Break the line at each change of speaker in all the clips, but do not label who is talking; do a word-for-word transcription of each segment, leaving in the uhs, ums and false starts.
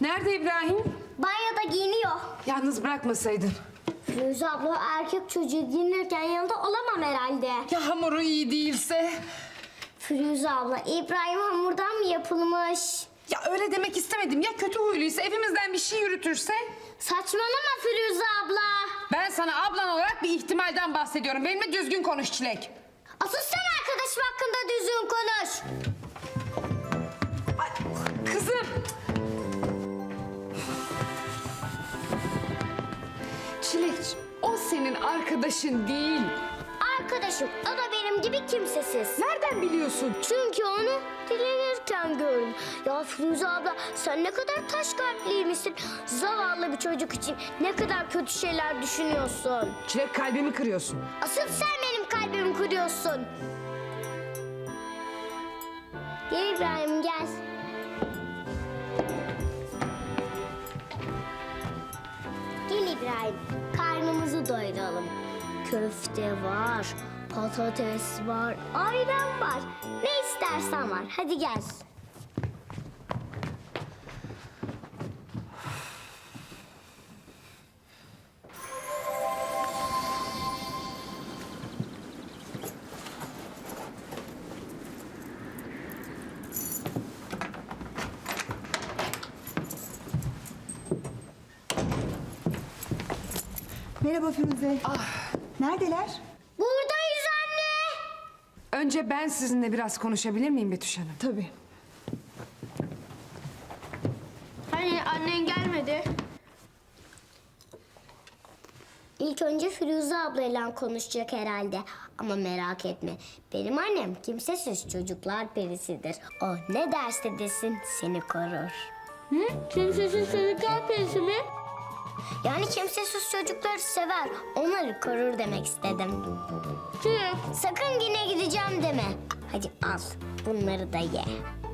Nerede İbrahim?
Banyoda giyiniyor.
Yalnız bırakmasaydın.
Firuze abla erkek çocuğu giyinirken yanında olamam herhalde.
Ya hamuru iyi değilse?
Firuze abla İbrahim hamurdan mı yapılmış?
Ya öyle demek istemedim. Ya kötü huyluysa, evimizden bir şey yürütürse?
Saçmalama Firuze abla.
Ben sana ablan olarak bir ihtimalden bahsediyorum. Benimle düzgün konuş Çilek.
Asıl sen arkadaşım hakkında düzgün konuş.
Ay, kızım. Çilek, o senin arkadaşın değil.
Arkadaşım o da benim gibi kimsesiz.
Nereden biliyorsun?
Çünkü onu dilenirken gördüm. Ya Firuze abla sen ne kadar taş kalpliymişsin. Zavallı bir çocuk için ne kadar kötü şeyler düşünüyorsun.
Çilek, kalbimi kırıyorsun.
Asıl sen benim kalbimi kırıyorsun. Gel İbrahim gel. Gel İbrahim karnımızı doyuralım. Köfte var, patates var, ayran var. Ne istersen var. Hadi gel.
Merhaba Firuze.
Ah.
Neredeler?
Buradayız anne.
Önce ben sizinle biraz konuşabilir miyim Betüş Hanım?
Tabii.
Hani annen gelmedi? İlk önce Firuze ablayla konuşacak herhalde. Ama merak etme. Benim annem kimsesiz çocuklar perisidir. O ne derse desin seni korur.
Hı? Kimsesiz çocuklar perisi mi?
Yani kimsesiz çocukları sever. Onları korur demek istedim.
Çilek.
Sakın yine gideceğim deme. Hadi al. Bunları da ye.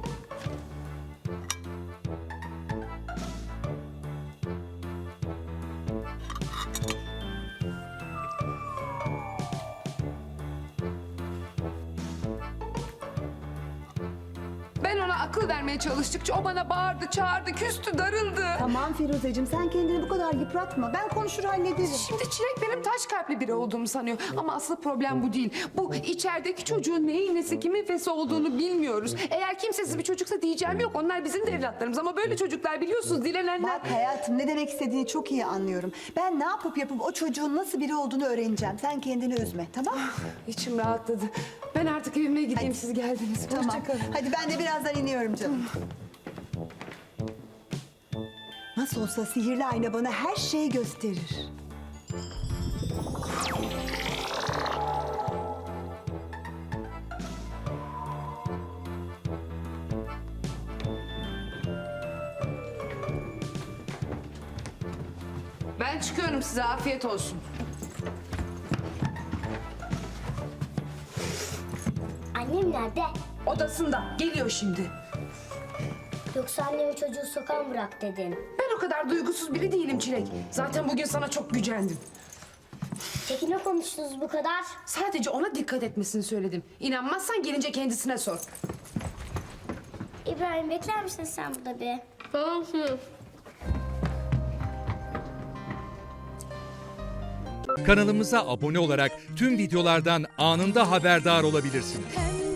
Ben ona akıl vermeye çalıştıkça o bana bağırdı, çağırdı, küstü, darıldı.
Tamam Firuzeciğim sen kendini bu kadar yıpratma. Ben konuşur hallederim.
Şimdi Çilek benim taş kalpli biri olduğumu sanıyor. Ama asıl problem bu değil. Bu içerideki çocuğun neyin nesi, kimin fesi olduğunu bilmiyoruz. Eğer kimsesiz bir çocuksa diyeceğim yok. Onlar bizim de evlatlarımız. Ama böyle çocuklar biliyorsunuz dilenenler...
Bak hayatım ne demek istediğini çok iyi anlıyorum. Ben ne yapıp yapıp o çocuğun nasıl biri olduğunu öğreneceğim. Sen kendini üzme tamam mı?
İçim rahatladı. Ben artık evime gideyim,
Hadi.
siz geldiniz.
Tamam.
Hoşça kalın.
Hadi ben de birazdan iniyorum canım. Nasıl olsa sihirli ayna bana her şeyi gösterir.
Ben çıkıyorum, size afiyet olsun.
Annem nerede?
Odasında. Geliyor şimdi.
Yoksa annemi çocuğu sokağa mı bırak dedin?
Ben o kadar duygusuz biri değilim Çilek. Zaten bugün sana çok gücendim.
Peki ne konuştunuz bu kadar?
Sadece ona dikkat etmesini söyledim. İnanmazsan gelince kendisine sor.
İbrahim bekler misin sen burada bir?
Tamam Çilek.
Kanalımıza abone olarak tüm videolardan anında haberdar olabilirsiniz.
Pembe